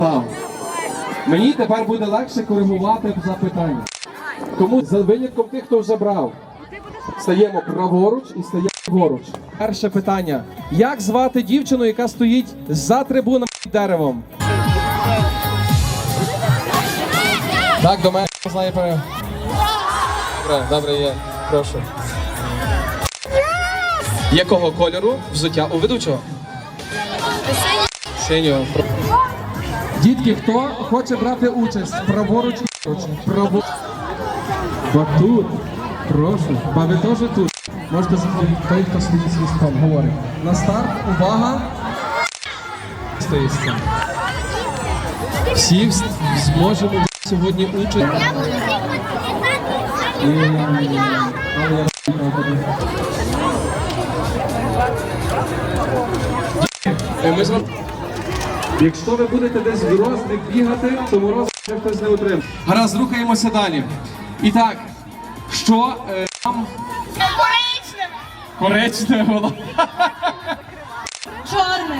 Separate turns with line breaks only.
Мені тепер буде легше коригувати запитання. Тому за винятком тих, хто вже брав, стаємо праворуч і стаємо ліворуч. Перше питання. Як звати дівчину, яка стоїть за трибунами під деревом? Так, до мене знає пере. Добре, є. Прошу. Якого кольору взуття у ведучого? Синього. Дітки, хто хоче брати участь? Праворуч і ліворуч. Батут. Прошу. Ба ви теж тут. Можете заходити. Той, хто стоїть з листом, говорить. На старт. Увага. Стоїться. Всі зможемо сьогодні участь. Якщо ви будете десь в розник бігати, то мороз вже хтось не отримає. Гаразд, рухаємося далі. І так, що нам...
Коричневе.
Коричневе воно.
Чорне.